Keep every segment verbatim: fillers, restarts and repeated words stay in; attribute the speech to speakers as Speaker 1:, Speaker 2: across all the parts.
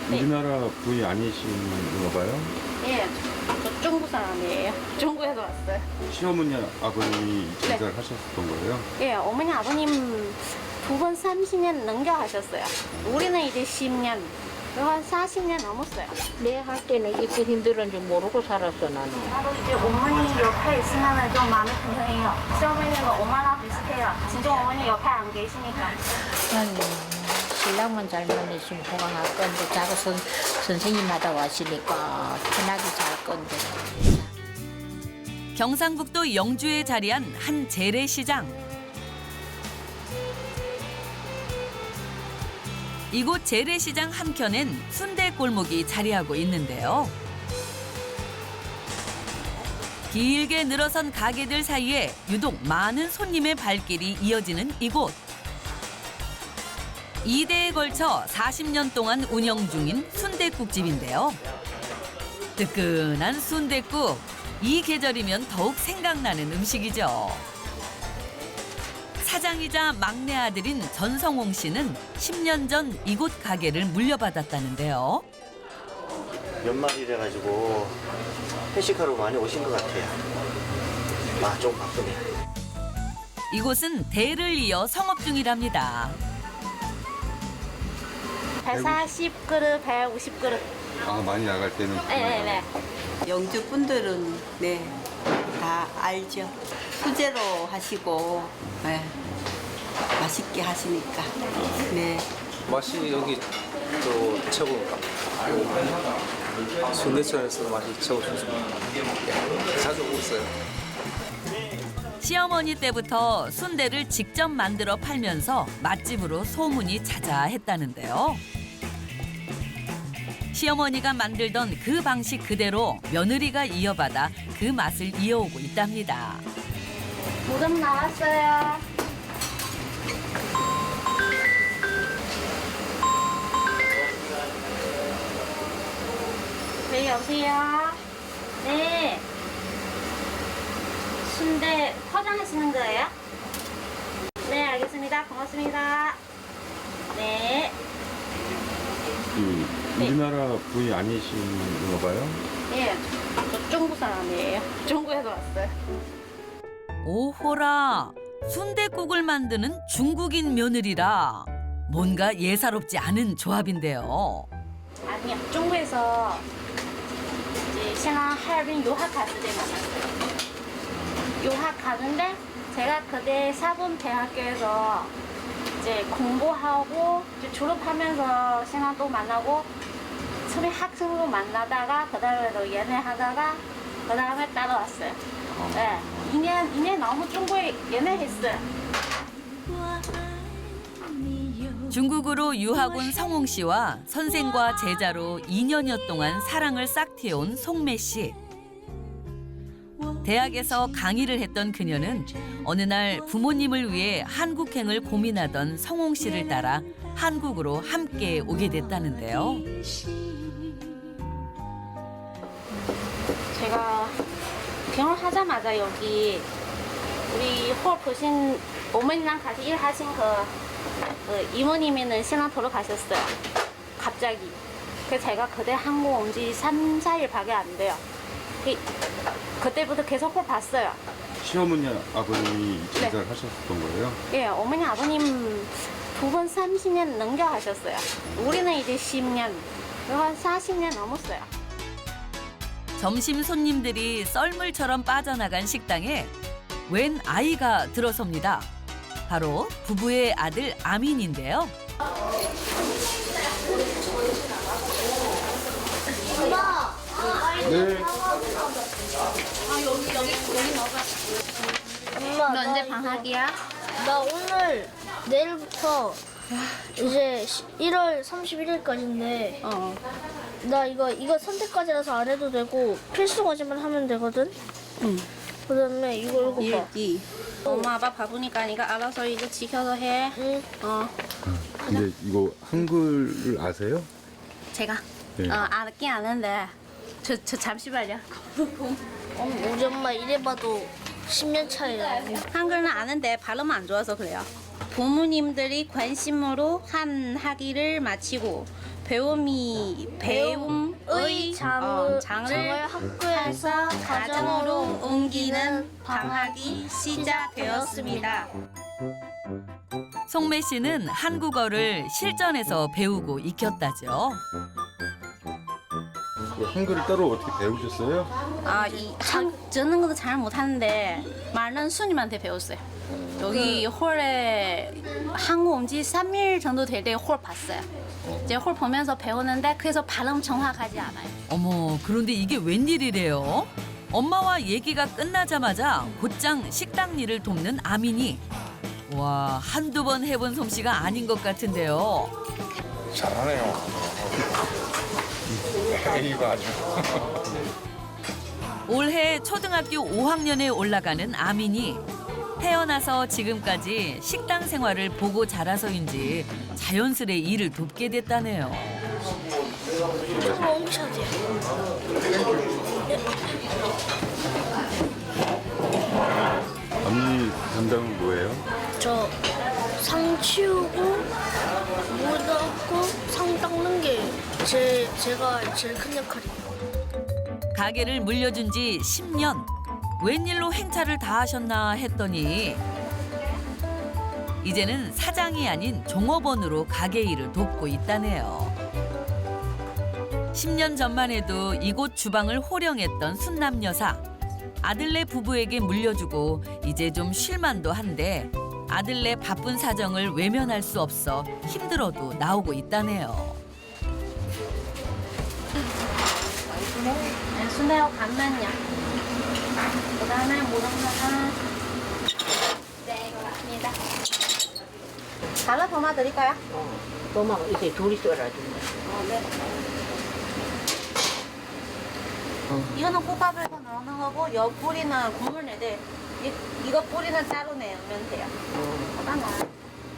Speaker 1: 네.
Speaker 2: 우리나라 분이 아니신가 봐요?
Speaker 1: 예, 저 중국 사람이에요. 중국에서 왔어요.
Speaker 2: 시어머니 아버님이
Speaker 1: 네.
Speaker 2: 장사를 하셨던 거예요?
Speaker 1: 예, 어머니 아버님 두 번 삼십 년 넘겨 하셨어요. 우리는 이제 십 년, 한 사십 년 넘었어요.
Speaker 3: 내 할 때는 이렇게 힘들은 줄 모르고 살았어 나는.
Speaker 1: 나도 이제 어머니 옆에 있으면 좀 마음이 편해요. 시어머니는 엄마랑 비슷해요. 진짜 어머니 옆에 안 계시니까.
Speaker 3: 아니 신랑만 잘만 있으면 호강할 건데 자꾸 선, 선생님마다 왔으니까 편하게 잘 건데.
Speaker 4: 경상북도 영주에 자리한 한 재래시장. 이곳 재래시장 한켠엔 순대 골목이 자리하고 있는데요. 길게 늘어선 가게들 사이에 유독 많은 손님의 발길이 이어지는 이곳. 이 대에 걸쳐 사십 년 동안 운영 중인 순댓국집인데요. 뜨끈한 순댓국, 이 계절이면 더욱 생각나는 음식이죠. 사장이자 막내 아들인 전성홍 씨는 십 년 전 이곳 가게를 물려받았다는데요.
Speaker 5: 연말이라 가지고 회식하러 많이 오신 것 같아요. 아, 좀 바쁘네.
Speaker 4: 이곳은 대를 이어 성업 중이랍니다.
Speaker 1: 백사십 그릇, 백오십 그릇.
Speaker 2: 아, 많이 나갈 때는.
Speaker 1: 네네네.
Speaker 6: 영주 분들은 네, 다 알죠. 수제로 하시고 네, 맛있게 하시니까. 네.
Speaker 7: 맛이 여기 또 최고입니다. 순대천에서 맛이 최고 좋습니다. 네, 자주 오고 있어요.
Speaker 4: 시어머니 때부터 순대를 직접 만들어 팔면서 맛집으로 소문이 자자했다는데요. 시어머니가 만들던 그 방식 그대로 며느리가 이어받아 그 맛을 이어오고 있답니다.
Speaker 1: 무덤 나왔어요. 네, 여보세요? 네. 순대 포장하시는 거예요? 네, 알겠습니다. 고맙습니다. 네.
Speaker 2: 그
Speaker 1: 네.
Speaker 2: 우리나라 분이 아니신가 봐요?
Speaker 1: 예, 저 중국 사람이에요. 중국에서 왔어요.
Speaker 4: 오호라, 순댓국을 만드는 중국인 며느리라. 뭔가 예사롭지 않은 조합인데요.
Speaker 1: 아니요, 중국에서 이제 신랑 하얼빈 유학 갔을 때 만났어요. 유학 가는데 제가 그때 사범대학교에서 이제 공부하고 이제 졸업하면서 신랑 또 만나고 처음에 학생으로 만나다가 그 다음에 또 연애하다가 그 다음에 따라왔어요. 네, 이 년, 이 년 너무 중국에 연애했어요.
Speaker 4: 중국으로 유학 온 성홍 씨와 선생과 제자로 이 년여 동안 사랑을 싹트여온 송매 씨. 대학에서 강의를 했던 그녀는 어느 날 부모님을 위해 한국행을 고민하던 성홍 씨를 따라 한국으로 함께 오게 됐다는데요.
Speaker 1: 제가 결혼하자마자 여기 우리 홀 보신 어머니랑 같이 일하신 그, 그 이모님이는 신랑 돌아가셨어요. 갑자기. 그래서 제가 그때 한국 온 지 삼, 사 일밖에 안 돼요. 그, 그때부터 계속 홀 봤어요.
Speaker 2: 시어머니 아버님이
Speaker 1: 네.
Speaker 2: 장사를 하셨던 거예요?
Speaker 1: 예, 어머니 아버님 두 번 삼십 년 넘겨 하셨어요. 우리는 이제 십 년, 한 사십 년 넘었어요.
Speaker 4: 점심 손님들이 썰물처럼 빠져나간 식당에 웬 아이가 들어섭니다. 바로 부부의 아들 아민인데요.
Speaker 2: 네.
Speaker 8: 엄마,
Speaker 1: 너 언제
Speaker 8: 나
Speaker 1: 방학이야?
Speaker 8: 이거- 나 오늘 내일부터 이제 일월 삼십일일까지인데
Speaker 1: 어.
Speaker 8: 나 이거 이거 선택까지라서 안 해도 되고 필수 과제만 하면 되거든.
Speaker 1: 응.
Speaker 8: 그다음에 이거 읽어봐.
Speaker 1: 일기. 엄마 아빠 바쁘니까 네가 알아서 이거 지켜서 해.
Speaker 8: 응.
Speaker 1: 어.
Speaker 2: 근데 이거 한글을 아세요?
Speaker 1: 제가
Speaker 2: 네.
Speaker 1: 어, 알긴 아는데 저, 저 잠시만요.
Speaker 8: 어, 우리 엄마 이래봐도 십 년 차이야.
Speaker 1: 한글은 아는데 발음 안 좋아서 그래요. 부모님들이 관심으로 한 학기를 마치고 배움이 배움의
Speaker 8: 장을,
Speaker 1: 어,
Speaker 8: 장을
Speaker 1: 장을
Speaker 8: 학교에서
Speaker 1: 가정으로 옮기는 방학이 시작되었습니다.
Speaker 4: 송매 씨는 한국어를 실전에서 배우고 익혔다죠.
Speaker 2: 그 한글을 따로 어떻게 배우셨어요?
Speaker 1: 아, 이 한, 저는 것도 잘 못하는데 말은 수님한테 배웠어요. 여기 홀에 한국 온 지 삼 일 정도 될 때 홀 봤어요. 이제 홀 보면서 배우는데 그래서 발음 정확하지 않아요.
Speaker 4: 어머, 그런데 이게 웬일이래요? 엄마와 얘기가 끝나자마자 곧장 식당 일을 돕는 아민이. 와, 한두 번 해본 솜씨가 아닌 것 같은데요.
Speaker 7: 잘하네요. 이거 아주.
Speaker 4: 올해 초등학교 오 학년에 올라가는 아민이 태어나서 지금까지 식당 생활을 보고 자라서인지 자연스레 일을 돕게 됐다네요.
Speaker 2: 언니 담당은 뭐예요?
Speaker 8: 저 상 치우고 물 넣고 상 닦는 게 제, 제가 제일 큰 역할이에요.
Speaker 4: 가게를 물려준 지 십 년. 웬일로 행차를 다 하셨나 했더니 이제는 사장이 아닌 종업원으로 가게 일을 돕고 있다네요. 십 년 전만 해도 이곳 주방을 호령했던 순남 여사. 아들네 부부에게 물려주고 이제 좀 쉴만도 한데 아들네 바쁜 사정을 외면할 수 없어 힘들어도 나오고 있다네요.
Speaker 1: 네, 순대하고 간면요. 그다음에 모당사는 네, 이거 맞습니다. 달라 더 드릴까요?
Speaker 3: 도마 이제 둘이 썰어준다.
Speaker 1: 이거는 국밥에서 넣는 거고 여 뿌리는 국물 내대 이, 이거 뿌리는 따로 내면 돼요. 어떤가요?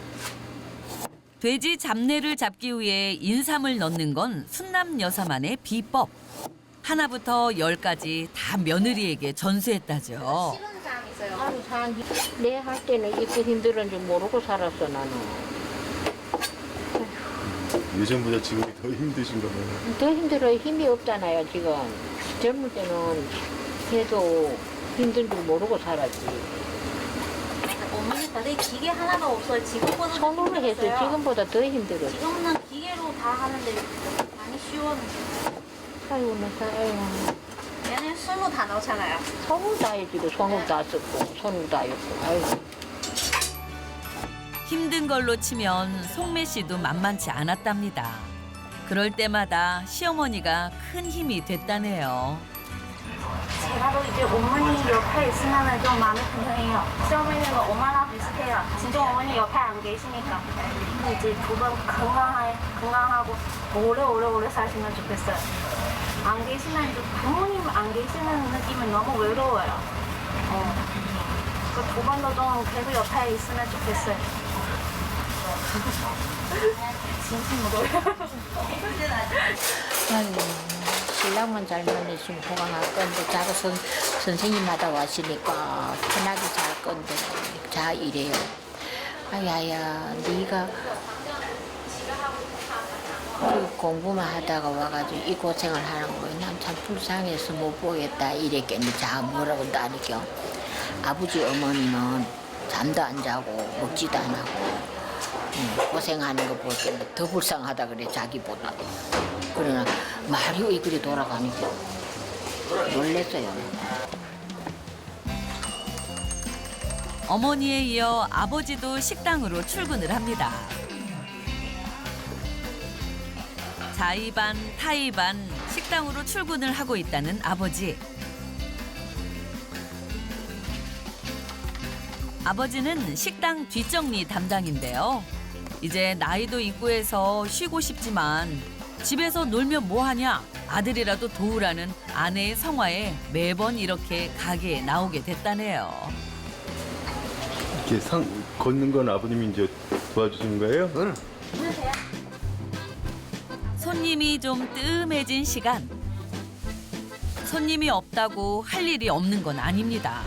Speaker 4: 돼지 잡내를 잡기 위해 인삼을 넣는 건 순남 여사만의 비법. 하나부터 열까지 다 며느리에게 전수했다죠.
Speaker 1: 싫은 사람 있어요.
Speaker 3: 아유, 사람 내 할 때는 이렇게 힘들은 줄 모르고 살았어 나는.
Speaker 2: 예전보다 지금이 더 힘드신가 봐요.
Speaker 3: 더 힘들어요. 힘이 없잖아요 지금. 젊을 때는 해도 힘든 줄 모르고 살았지.
Speaker 1: 어머니 다들 기계 하나도 없어요. 지금보다
Speaker 3: 손으로 해서 지금보다 더 힘들어.
Speaker 1: 지금은 기계로 다 하는데 많이 쉬웠는데
Speaker 3: 아이고 나 아이고.
Speaker 1: 얘는 손으로 다 넣잖아요.
Speaker 3: 손으로 다 해지고 손으로 다 썼고 손으로 다 했고. 아이고.
Speaker 4: 힘든 걸로 치면 송매 씨도 만만치 않았답니다. 그럴 때마다 시어머니가 큰 힘이 됐다네요.
Speaker 1: 제가도 이제 어머니 옆에 있으면 좀 마음이 편해요. 시어머니는 엄마랑 비슷해요. 진짜 어머니 옆에 안 계시니까. 근데 이제 두 분 건강하, 건강하고 오래오래 오래 사시면 좋겠어요. 안 계시면 이제 부모님 안 계시는 느낌은 너무 외로워요. 어. 그 두 번도 좀 계속 옆에 있으면 좋겠어요. 진심으로.
Speaker 3: 아이고 신랑만 잘만 있으면 호강할 건데 자꾸 선, 선생님마다 왔으니까 편하게 잘 건데 자 이래요. 아야야 네가 그 공부만 하다가 와가지고 이 고생을 하는 거야. 난 참 불쌍해서 못 보겠다 이랬겠니. 자 뭐라고 나니까 아버지 어머니는 잠도 안 자고 먹지도 안 하고 응, 고생하는 거 보니까 더 불쌍하다 그래 자기보다. 그러나 말이 왜 그리 돌아가니까 놀랬어요.
Speaker 4: 어머니에 이어 아버지도 식당으로 출근을 합니다. 자의반 타의반 식당으로 출근을 하고 있다는 아버지. 아버지는 식당 뒷정리 담당인데요. 이제 나이도 있고 해서 쉬고 싶지만 집에서 놀면 뭐하냐 아들이라도 도우라는 아내의 성화에 매번 이렇게 가게에 나오게 됐다네요.
Speaker 2: 이렇게 상 걷는 건 아버님이 이제 도와주시는 거예요?
Speaker 7: 응.
Speaker 4: 손님이 좀 뜸해진 시간. 손님이 없다고 할 일이 없는 건 아닙니다.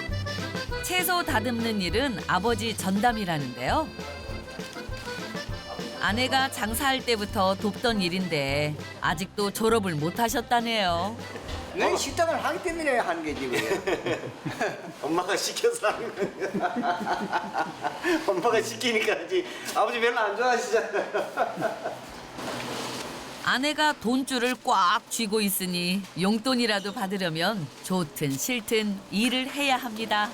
Speaker 4: 채소 다듬는 일은 아버지 전담이라는데요. 아내가 장사할 때부터 돕던 일인데 아직도 졸업을 못 하셨다네요.
Speaker 9: 내 식당을 하기 때문에 하는 게 지금.
Speaker 5: 엄마가 시켜서 하는 거야. 엄마가 시키니까 하지. 아버지 별로 안 좋아하시잖아요.
Speaker 4: 아내가 돈줄을 꽉 쥐고 있으니 용돈이라도 받으려면 좋든 싫든 일을 해야 합니다.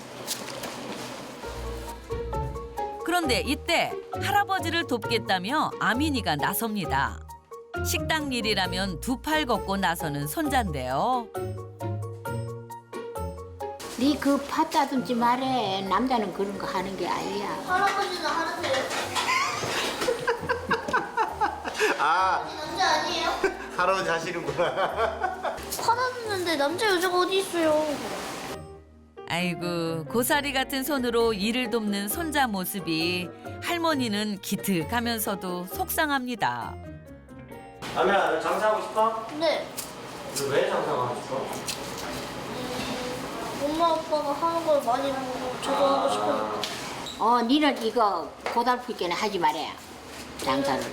Speaker 4: 그런데 이때 할아버지를 돕겠다며 아민이가 나섭니다. 식당 일이라면 두 팔 걷고 나서는 손자인데요.
Speaker 3: 네 그 팥 따듬지 말해. 남자는 그런 거 하는 게 아니야.
Speaker 8: 할아버지는 하는데요.
Speaker 5: 아,
Speaker 8: 남자 아니에요?
Speaker 5: 할아버지 하시는구나.
Speaker 8: 팔았는데 남자 여자가 어디 있어요?
Speaker 4: 아이고 고사리 같은 손으로 일을 돕는 손자 모습이 할머니는 기특하면서도 속상합니다.
Speaker 5: 아미야, 너 장사하고 싶어?
Speaker 8: 네.
Speaker 5: 너 왜 장사하고 싶어?
Speaker 8: 엄마 아빠가 하는 걸 많이 보고 저도 하고 싶으니까.
Speaker 3: 어, 니는 이거 고달프게는 하지 말아야. 장사를.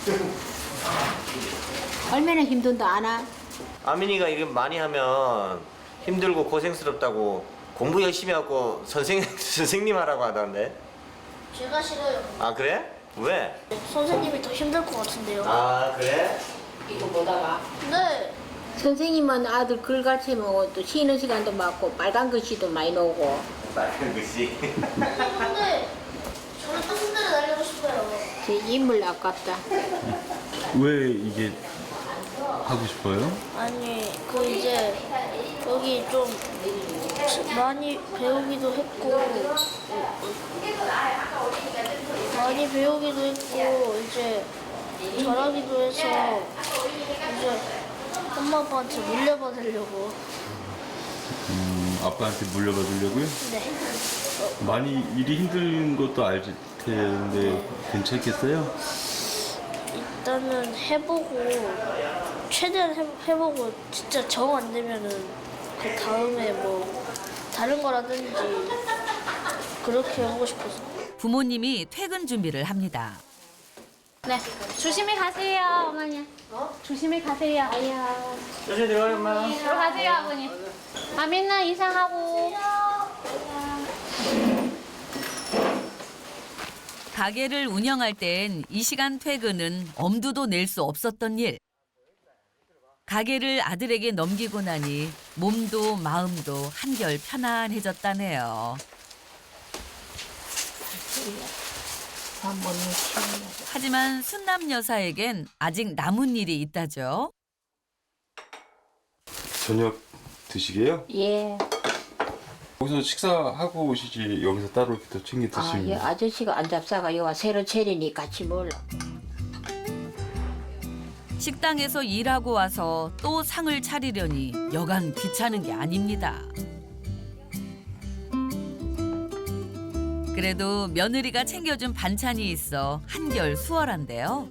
Speaker 3: 얼마나 힘든도 아나?
Speaker 5: 아민이가 이거 많이 하면 힘들고 고생스럽다고 공부 열심히 하고 선생, 선생님 하라고 하던데.
Speaker 8: 제가 싫어요.
Speaker 5: 아, 그래? 왜?
Speaker 8: 선생님이 더 힘들 것 같은데요.
Speaker 5: 아, 그래?
Speaker 3: 이거 보다가.
Speaker 8: 네.
Speaker 3: 선생님은 아들 글 가르치면 또 쉬는 시간도 많고 빨간 글씨도 많이 나오고.
Speaker 5: 빨간 글씨.
Speaker 8: 근데 저는 또 손대를 날리고 싶어요.
Speaker 3: 제 인물 아깝다.
Speaker 2: 왜 이게 하고 싶어요?
Speaker 8: 아니 그 이제 여기 좀 많이 배우기도 했고 많이 배우기도 했고 이제 잘하기도 해서 이제 엄마 아빠한테 물려받으려고.
Speaker 2: 음, 아빠한테 물려받으려고요?
Speaker 8: 네.
Speaker 2: 많이 일이 힘든 것도 알 텐데 괜찮겠어요?
Speaker 8: 일단은 해보고 최대한 해, 해보고 진짜 정 안 되면은 그 다음에 뭐 다른 거라든지 그렇게 하고 싶어서.
Speaker 4: 부모님이 퇴근 준비를 합니다.
Speaker 1: 네, 조심히 가세요, 어머니. 조심히 가세요. 아야.
Speaker 5: 조심히 들어가요, 엄마.
Speaker 1: 들어가세요, 아버님. 아민나 이상하고.
Speaker 4: 가게를 운영할 땐 이 시간 퇴근은 엄두도 낼 수 없었던 일. 가게를 아들에게 넘기고 나니 몸도 마음도 한결 편안해졌다네요. 하지만 순남 여사에겐 아직 남은 일이 있다죠.
Speaker 2: 저녁 드시게요?
Speaker 3: 예.
Speaker 2: 여기서 식사하고 오시지 여기서 따로 이렇게 또 챙겨
Speaker 3: 아,
Speaker 2: 드시면.
Speaker 3: 예, 아저씨가 안 잡사가 여와 새로 차리니 같이 먹으려.
Speaker 4: 식당에서 일하고 와서 또 상을 차리려니 여간 귀찮은 게 아닙니다. 그래도 며느리가 챙겨준 반찬이 있어 한결 수월한데요.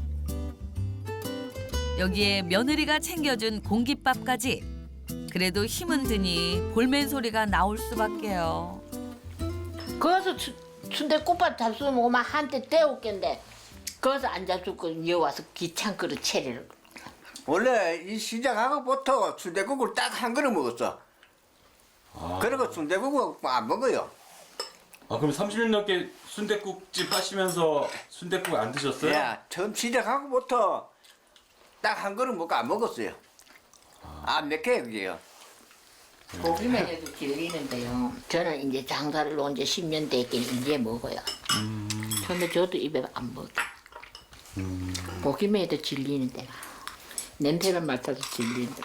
Speaker 4: 여기에 며느리가 챙겨준 공깃밥까지. 그래도 힘은 드니 볼멘 소리가 나올 수밖에요.
Speaker 3: 거기서 순대국밥 잡수면 오만 한때 떼올겠는데 거기서 안 잡수고 여 와서 귀찮거든 채리를.
Speaker 9: 원래 이 시작하고부터 순대국을 딱 한 그릇 먹었어. 그리고 순대국을 안 먹어요.
Speaker 2: 아 그럼 삼십 년 넘게 순댓국집 하시면서 순댓국 안 드셨어요?
Speaker 9: 야, 처음 시작하고부터 딱 한 그릇 먹고 안 먹었어요. 안 맥혀요, 그게요.
Speaker 3: 고기만 해도 질리는데요. 저는 이제 장사를 놓은 지 십 년 됐긴 이제 먹어요.
Speaker 2: 음.
Speaker 3: 처음에 저도 입에 안 먹어.
Speaker 2: 음.
Speaker 3: 고기만 해도 질리는데 냄새를 맡아도 질리는데.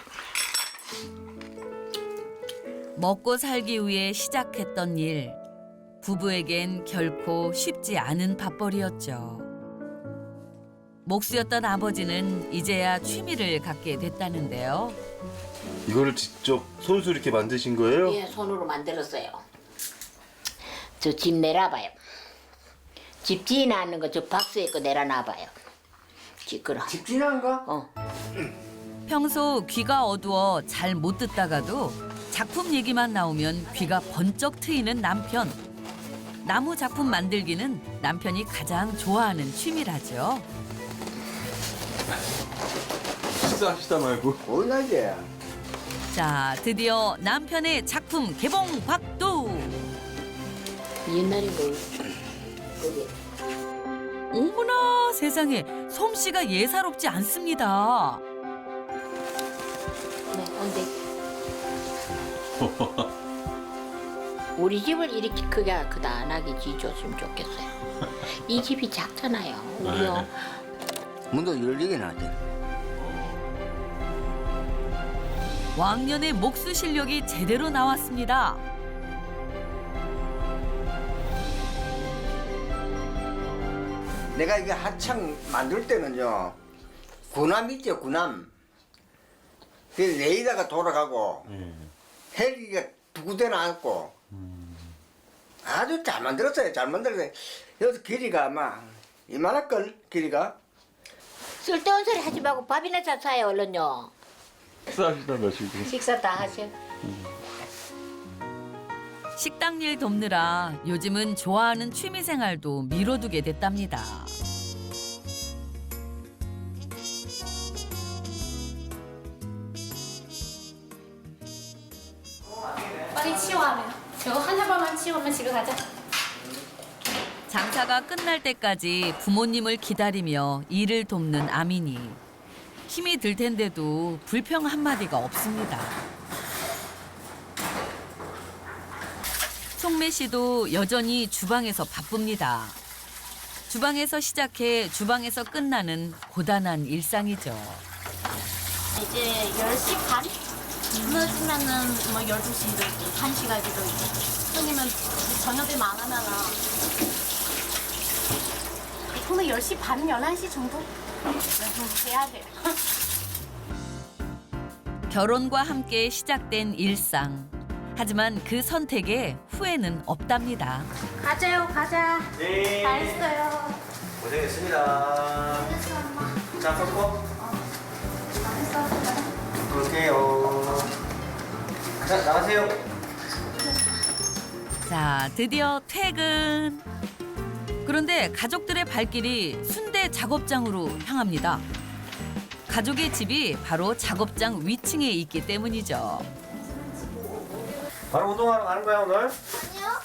Speaker 4: 먹고 살기 위해 시작했던 일. 부부에겐 결코 쉽지 않은 밥벌이였죠. 목수였던 아버지는 이제야 취미를 갖게 됐다는데요.
Speaker 2: 이거를 직접 손수 이렇게 만드신 거예요?
Speaker 3: 예, 손으로 만들었어요. 저 집 내놔봐요. 집 지어놨는 거 저 박스에 거 내려놔봐요. 지끄러.
Speaker 9: 집 지난 거?
Speaker 3: 어.
Speaker 4: 평소 귀가 어두워 잘 못 듣다가도 작품 얘기만 나오면 귀가 번쩍 트이는 남편. 나무 작품 만들기는 남편이 가장 좋아하는 취미라죠.
Speaker 2: 식사하시다 말고.
Speaker 9: 올라지.
Speaker 4: 자, 드디어 남편의 작품 개봉 박두.
Speaker 3: 옛날에 뭐 그게
Speaker 4: 어머나 세상에 솜씨가 예사롭지 않습니다.
Speaker 3: 네, 근데 우리 집을 이렇게 크게 크다하게 지어줬으면 좋겠어요. 이 집이 작잖아요. 우리요.
Speaker 9: 문도 열리긴 하지.
Speaker 4: 왕년의 목수 실력이 제대로 나왔습니다.
Speaker 9: 내가 이게 한창 만들 때는요, 군함 있죠, 군함. 그 레이더가 돌아가고, 헬기가 두 구대나 앉고, 아주 잘 만들었어요, 잘 만들었어요. 여기서 길이가 아마 이만할걸, 길이가.
Speaker 3: 쓸데없는 소리 하지 말고 밥이나 자 사요 얼른요.
Speaker 2: 식사하시다 마시고.
Speaker 3: 식사 다 하셔.
Speaker 4: 식당 일 돕느라 요즘은 좋아하는 취미 생활도 미뤄두게 됐답니다.
Speaker 1: 빨리 치워하면. 저거 한 사발만 치우면 집에 가자.
Speaker 4: 장사가 끝날 때까지 부모님을 기다리며 일을 돕는 아민이. 힘이 들 텐데도 불평 한마디가 없습니다. 송매 씨도 여전히 주방에서 바쁩니다. 주방에서 시작해 주방에서 끝나는 고단한 일상이죠.
Speaker 1: 이제 열 시 반? 늦으면은 뭐 열두 시도 있고, 한 시까지도 있고. 손님은 저녁에 많으면은 보통 열 시 반, 열한 시 정도? 해야 돼요.
Speaker 4: 결혼과 함께 시작된 일상. 하지만 그 선택에 후회는 없답니다.
Speaker 1: 가자요, 가자.
Speaker 5: 네.
Speaker 1: 다 했어요.
Speaker 5: 고생했습니다.
Speaker 1: 됐어, 엄마.
Speaker 5: 자, 섞고.
Speaker 1: 다 했어.
Speaker 5: 볼게요. 자, 나가세요.
Speaker 4: 자, 드디어 퇴근. 그런데 가족들의 발길이 순대 작업장으로 향합니다. 가족의 집이 바로 작업장 위층에 있기 때문이죠.
Speaker 5: 바로 운동하러 가는 거야, 오늘?
Speaker 1: 아니요.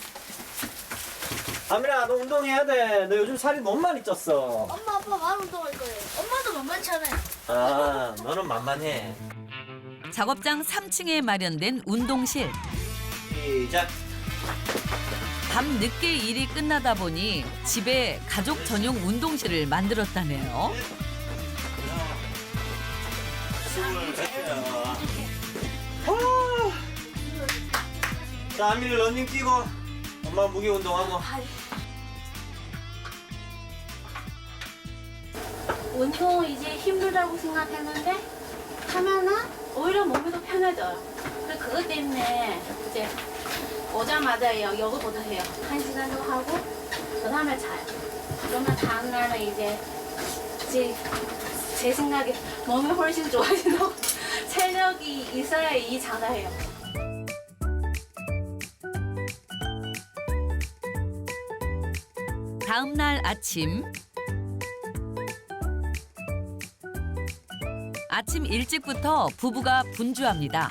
Speaker 5: 아미라, 너 운동해야 돼. 너 요즘 살이 너무 많이 쪘어.
Speaker 8: 엄마 아빠 말 운동할 거예요. 엄마도 만만찮아요.
Speaker 5: 아, 너는 만만해.
Speaker 4: 작업장 삼 층에 마련된 운동실.
Speaker 5: 시작.
Speaker 4: 밤 늦게 일이 끝나다 보니 집에 가족 전용 운동실을 만들었다네요.
Speaker 5: 자, 아미를 런닝 뛰고 엄마 무게 운동하고.
Speaker 1: 운동 이제 힘들다고 생각했는데 하면은 오히려 몸이 더 편해져요. 그래서 그것 때문에 이제 오자마자 여- 여기부터 해요. 한 시간 정도 하고 그 다음에 자요. 그러면 다음날은 이제 이제 제 생각에 몸이 훨씬 좋아진다고 체력이 있어야 이 장사해요.
Speaker 4: 다음 날 아침. 아침 일찍부터 부부가 분주합니다.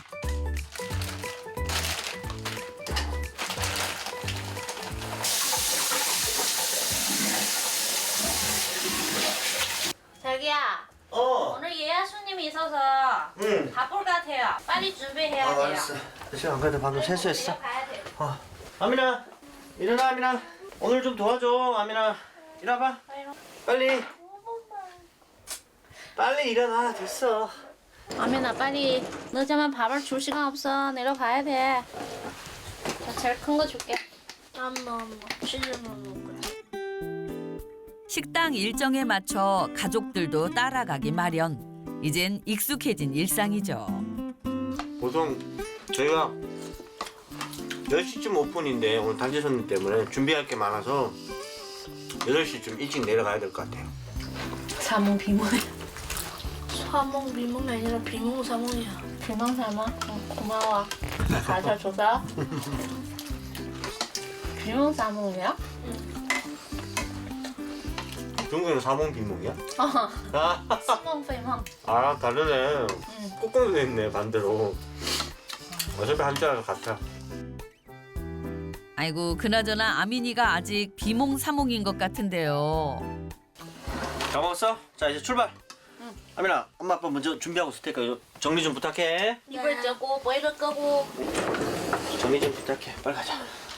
Speaker 1: 자기야,
Speaker 5: 어.
Speaker 1: 오늘 예약 손님이 있어서
Speaker 5: 응.
Speaker 1: 바쁠 것 같아요. 빨리 준비해야
Speaker 5: 아,
Speaker 1: 돼요.
Speaker 5: 알았어. 지금 안 그래도 방금 세수했어.
Speaker 1: 내려가야 돼요.
Speaker 5: 어. 아미나, 일어나, 아미나. 오늘 좀 도와줘, 아미나. 일어나봐. 빨리. 빨리 일어나. 됐어.
Speaker 1: 아미나 빨리 늦으면 밥을 줄 시간 없어. 내려가야 돼. 자, 제일 큰 거 줄게.
Speaker 8: 엄마 엄마 치즈만 먹을 거야.
Speaker 4: 식당 일정에 맞춰 가족들도 따라가기 마련. 이젠 익숙해진 일상이죠.
Speaker 5: 보통 저희가 열 시쯤 오픈인데 오늘 단체 손님 때문에 준비할 게 많아서 여덟 시쯤 일찍 내려가야 될 것 같아요.
Speaker 1: 사몽 비몽해.
Speaker 8: 사몽 비몽이 아니라 비몽사몽이야.
Speaker 1: 비몽 사몽? 응, 고마워. 가르쳐줘서. 비몽 사몽이야?
Speaker 5: 중국에는 사몽 비몽이야?
Speaker 1: 어,
Speaker 5: 아,
Speaker 1: 시몽 페몽.
Speaker 5: 아 다르네. 꾹꾹 돼 있네 반대로. 어차피 한자랑 같아.
Speaker 4: 아이고 그나저나 아민이가 아직 비몽사몽인 것 같은데요.
Speaker 5: 다 먹었어? 자 이제 출발. 아민아, 엄마 아빠 먼저 준비하고 있을 테니까 이거 정리 좀 부탁해.
Speaker 1: 이불 쩌고 머리를 끄고.
Speaker 5: 정리 좀 부탁해. 빨리 가자.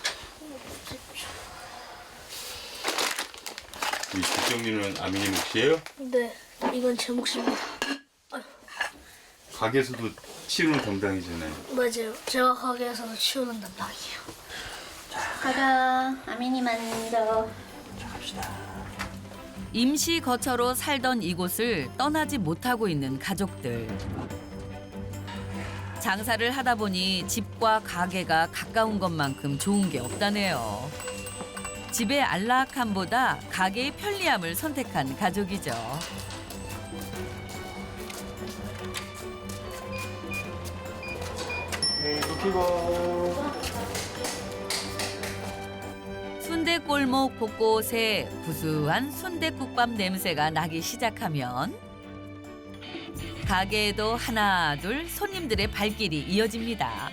Speaker 2: 이 뒷정리는 아미님 몫이에요?
Speaker 8: 네, 이건 제 몫입니다.
Speaker 2: 가게에서도 치우는 담당이잖아요.
Speaker 8: 맞아요. 제가 가게에서 치우는 담당이에요.
Speaker 1: 가자. 아민이 먼저.
Speaker 4: 임시 거처로 살던 이곳을 떠나지 못하고 있는 가족들. 장사를 하다 보니 집과 가게가 가까운 것만큼 좋은 게 없다네요. 집의 안락함보다 가게의 편리함을 선택한 가족이죠.
Speaker 5: 네, 눕히고.
Speaker 4: 순대골목 곳곳에 구수한 순대국밥 냄새가 나기 시작하면 가게에도 하나 둘 손님들의 발길이 이어집니다.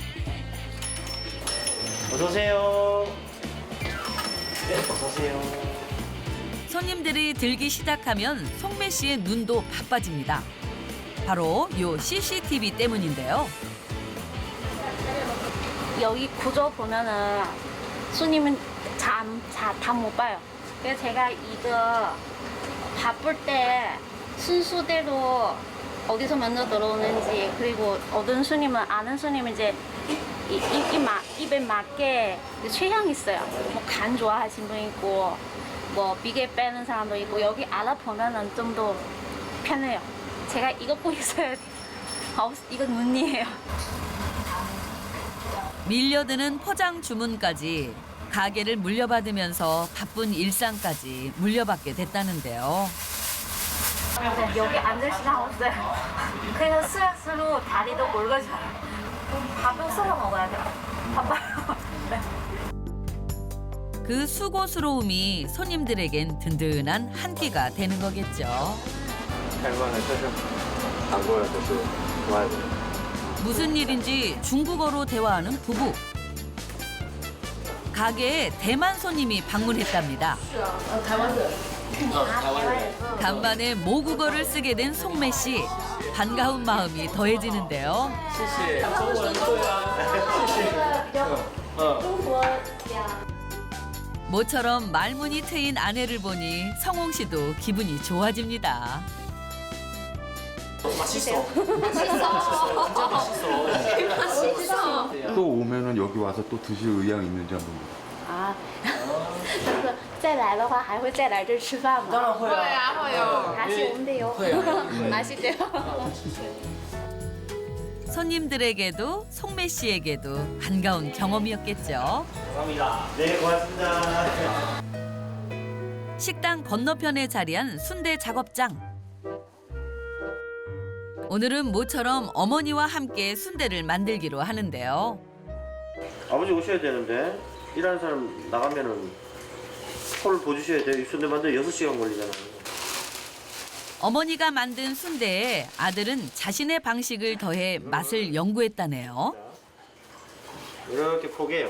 Speaker 5: 어서 오세요. 네, 어서 오세요.
Speaker 4: 손님들이 들기 시작하면 송매 씨의 눈도 바빠집니다. 바로 요 씨씨티비 때문인데요.
Speaker 1: 여기 구조 보면은 손님은 잠다 못 봐요. 그래서 제가 이거 바쁠 때 순서대로 어디서 먼저 들어오는지 그리고 어떤 손님은 아는 손님은 이제 이, 이, 이 마, 입에 맞게 취향이 있어요. 뭐 간 좋아하시는 분 있고 뭐 비계 빼는 사람도 있고 여기 알아보면은 좀 더 편해요. 제가 이거 꼭 있어야 돼요. 없, 이건 문이에요.
Speaker 4: 밀려드는 포장 주문까지 가게를 물려받으면서 바쁜 일상까지 물려받게 됐다는데요.
Speaker 1: 여기 앉을 시간 없어요. 그래서 스스로 다리도 굵어져요. 밥을 썰어 먹어야 돼요. 바빠요.
Speaker 4: 그 수고스러움이 손님들에겐 든든한 한 끼가 되는 거겠죠.
Speaker 5: 할만한 표정. 안 보여도 또 좋아야 돼.
Speaker 4: 무슨 일인지 중국어로 대화하는 부부. 가게에 대만 손님이 방문했답니다. 간만에 모국어를 쓰게 된 송매 씨. 반가운 마음이 더해지는데요. 모처럼 말문이 트인 아내를 보니 성홍 씨도 기분이 좋아집니다.
Speaker 2: 또 오면은 여기 와서 또 드실 의향 있는지 한번.
Speaker 1: 啊，但是再来的话还会再来这儿吃饭吗？当然会啊，会啊，还是我们得有，还是得有。
Speaker 4: 손님들에게도 송매 씨에게도 반가운 경험이었겠죠.
Speaker 5: 감사합니다. 네, 고맙습니다.
Speaker 4: 식당 건너편에 자리한 순대 작업장. 오늘은 모처럼 어머니와 함께 순대를 만들기로 하는데요.
Speaker 5: 아버지 오셔야 되는데 일하는 사람 나가면은 콜 보주셔야 돼요. 이 순대 만들 여섯 시간 걸리잖아요.
Speaker 4: 어머니가 만든 순대에 아들은 자신의 방식을 더해 맛을 연구했다네요.
Speaker 5: 이렇게 포개요.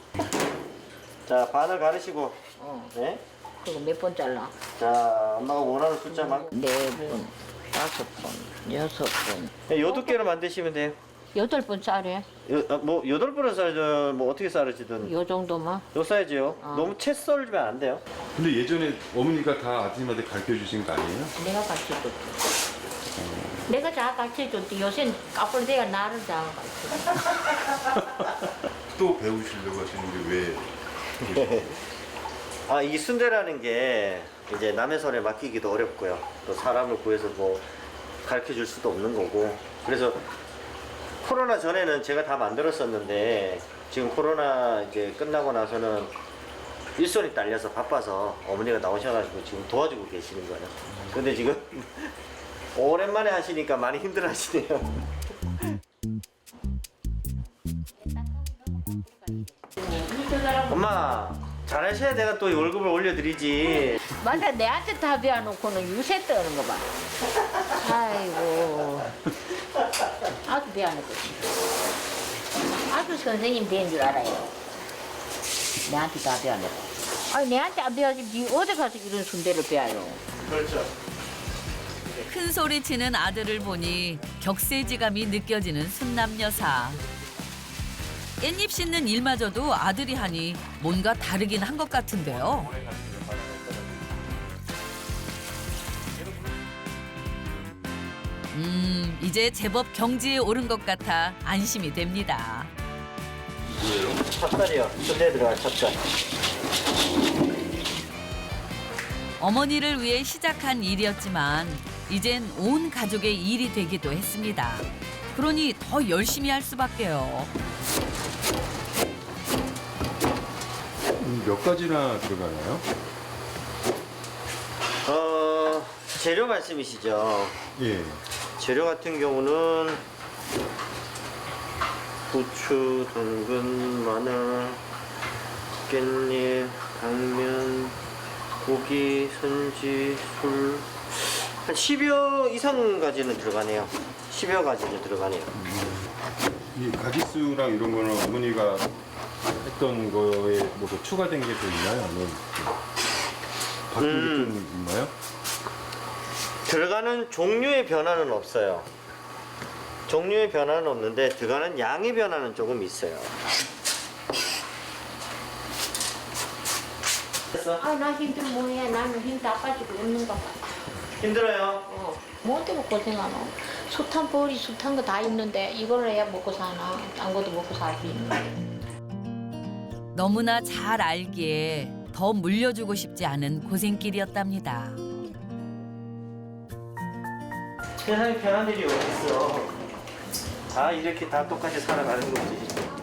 Speaker 5: 자, 반을 가르시고.
Speaker 3: 어.
Speaker 5: 네?
Speaker 3: 그거 몇 번 잘라?
Speaker 5: 자, 엄마가 원하는 숫자만.
Speaker 3: 네 번, 다섯 번, 여섯 번,
Speaker 5: 네, 여덟 개를 만드시면 돼요.
Speaker 3: 여덟 번 짜래.
Speaker 5: 여, 아, 뭐 여덟 번을 썰든 뭐 어떻게 썰으시든
Speaker 3: 요 정도만.
Speaker 5: 요 사이즈요.
Speaker 3: 어.
Speaker 5: 너무 채 썰면 안 돼요.
Speaker 2: 근데 예전에 어머니가 다 아드님한테 가르쳐 주신 거 아니에요?
Speaker 3: 내가 가르쳐줬지. 내가 잘 가르쳐줬지. 요새는 까불대가 나를 잘 가르쳐.
Speaker 2: 또 배우시려고 하시는데 왜?
Speaker 5: 아, 이 순대라는 게 이제 남의 손에 맡기기도 어렵고요. 또 사람을 구해서 뭐 가르쳐 줄 수도 없는 거고. 그래서 코로나 전에는 제가 다 만들었었는데 지금 코로나 이제 끝나고 나서는 일손이 딸려서 바빠서 어머니가 나오셔가지고 지금 도와주고 계시는 거예요. 근데 지금 오랜만에 하시니까 많이 힘들어 하시네요. 엄마 잘하셔야 내가 또 월급을 올려드리지.
Speaker 3: 맞아, 내한테 다 배워놓고는 유세 떠는 거 봐. 아이고. 아주 배워놓고. 아주 선생님 된 줄 알아요. 내한테 다 배워놓고. 아니, 내한테 안 배워야지. 니 어디 가서 이런 순대를 배워요.
Speaker 5: 그렇죠.
Speaker 4: 큰 소리 치는 아들을 보니 격세지감이 느껴지는 순남 여사. 깻잎 씻는 일마저도 아들이 하니 뭔가 다르긴 한 것 같은데요. 음, 이제 제법 경지에 오른 것 같아 안심이 됩니다.
Speaker 5: 찹쌀이요. 순대 들어간 찹쌀.
Speaker 4: 어머니를 위해 시작한 일이었지만 이젠 온 가족의 일이 되기도 했습니다. 그러니 더 열심히 할 수밖에요.
Speaker 2: 몇 가지나 들어가나요?
Speaker 5: 어 재료 말씀이시죠?
Speaker 2: 예.
Speaker 5: 재료 같은 경우는 부추, 당근, 마늘, 깻잎, 당면, 고기, 선지, 술, 한 십여 이상 가지는 들어가네요. 십여 가지는 들어가네요.
Speaker 2: 이 가짓수랑 이런 거는 어머니가 했던 거에 뭐 추가된 게 좀 있나요? 아니면 바뀐
Speaker 5: 음.
Speaker 2: 게 좀 있나요?
Speaker 5: 들어가는 종류의 변화는 없어요. 종류의 변화는 없는데 들어가는 양의 변화는 조금 있어요. 됐어?
Speaker 3: 아, 나 힘들 뭐해. 나는 힘 다 빠지고 있는가 봐.
Speaker 5: 힘들어요?
Speaker 3: 어. 뭐 때문에 고생하노? 숱한 벌이 숱한 거 다 있는데 이걸 해야 먹고 사나? 딴 것도 먹고 살지.
Speaker 4: 너무나 잘 알기에 더 물려주고 싶지 않은 고생길이었답니다.
Speaker 5: 세상에 변한 일이 어딨어. 다 이렇게 다 똑같이 살아가는 거지.